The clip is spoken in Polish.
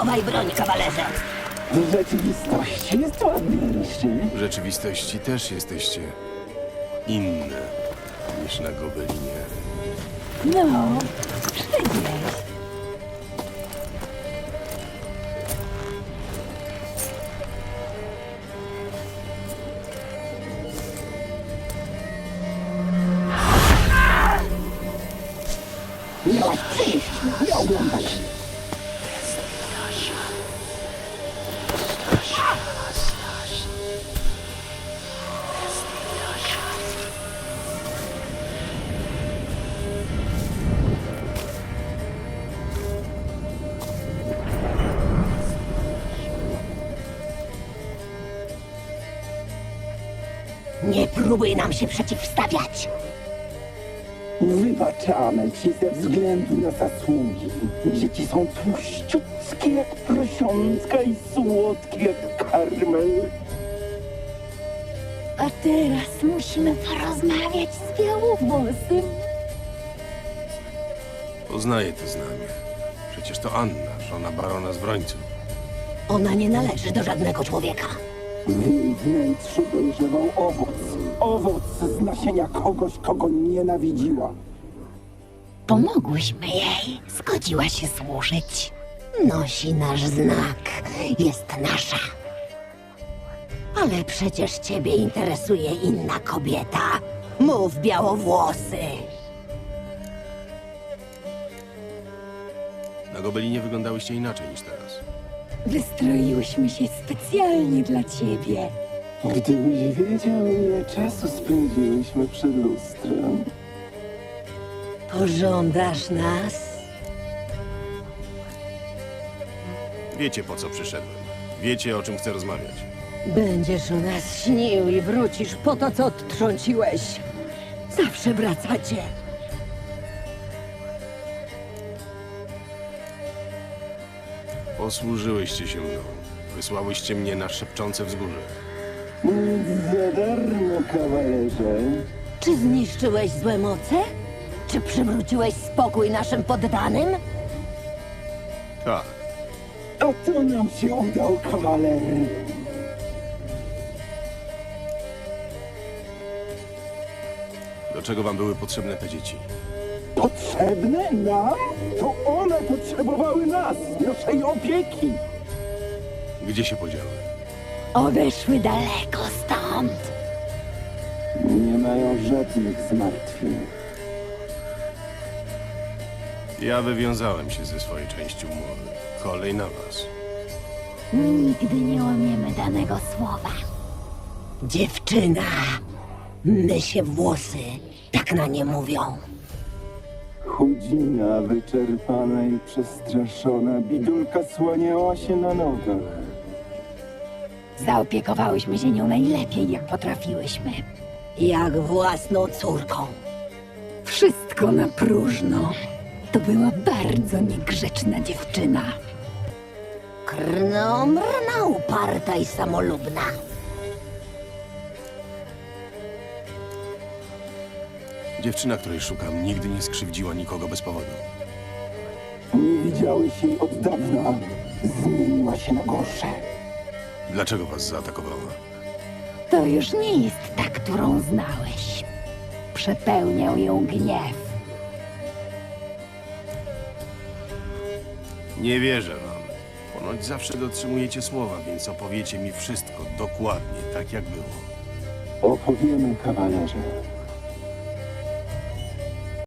Schowaj broń, kawalerze. W rzeczywistości jest ładniejszy. W rzeczywistości też jesteście inne niż na Gobelinie. No, przygnieś. Miałaś przyjść, nie oglądać. Nie próbuj nam się przeciwstawiać. Wybaczamy ci ze względu na zasługi. Dzieci są tłuściutkie jak prosiątka i słodkie jak karmel. A teraz musimy porozmawiać z Białowłosym. Poznaję to znamie. Przecież to Anna, żona barona z Brońców. Ona nie należy do żadnego człowieka. W jej wnętrzu dojrzewał owoc. Owoc z nasienia kogoś, kogo nienawidziła. Pomogłyśmy jej. Zgodziła się służyć. Nosi nasz znak. Jest nasza. Ale przecież ciebie interesuje inna kobieta. Mów, Białowłosy. Na Gobelinie wyglądałyście inaczej niż teraz. Wystroiłyśmy się specjalnie dla ciebie. Gdybyś wiedział, ile czasu spędziłyśmy przed lustrem. Pożądasz nas? Wiecie, po co przyszedłem. Wiecie, o czym chcę rozmawiać. Będziesz o nas śnił i wrócisz po to, co odtrąciłeś. Zawsze wracacie. Posłużyłyście się mną. Wysłałyście mnie na szepczące wzgórze. Nic za darmo, kawalerze. Czy zniszczyłeś złe moce? Czy przywróciłeś spokój naszym poddanym? Tak, A to nam się udał, kawaler. do czego wam były potrzebne te dzieci? Potrzebne nam? To one potrzebowały nas, naszej opieki. Gdzie się podziały? Odeszły daleko stąd. Nie mają żadnych zmartwień. Ja wywiązałem się ze swojej części umowy. Kolej na was. Nigdy nie łamiemy danego słowa. Dziewczyna, my się włosy, tak na nie mówią. Chudzina, wyczerpana i przestraszona, bidulka słaniała się na nogach. Zaopiekowałyśmy się nią najlepiej, jak potrafiłyśmy. Jak własną córką. Wszystko na próżno. To była bardzo niegrzeczna dziewczyna. Krnomrna, uparta i samolubna. Dziewczyna, której szukam, nigdy nie skrzywdziła nikogo bez powodu. Nie widziałeś jej od dawna. Zmieniła się na gorsze. Dlaczego was zaatakowała? To już nie jest ta, którą znałeś. Przepełniał ją gniew. Nie wierzę wam. Ponoć zawsze dotrzymujecie słowa, więc opowiecie mi wszystko dokładnie tak, jak było. Opowiemy, kawalerze.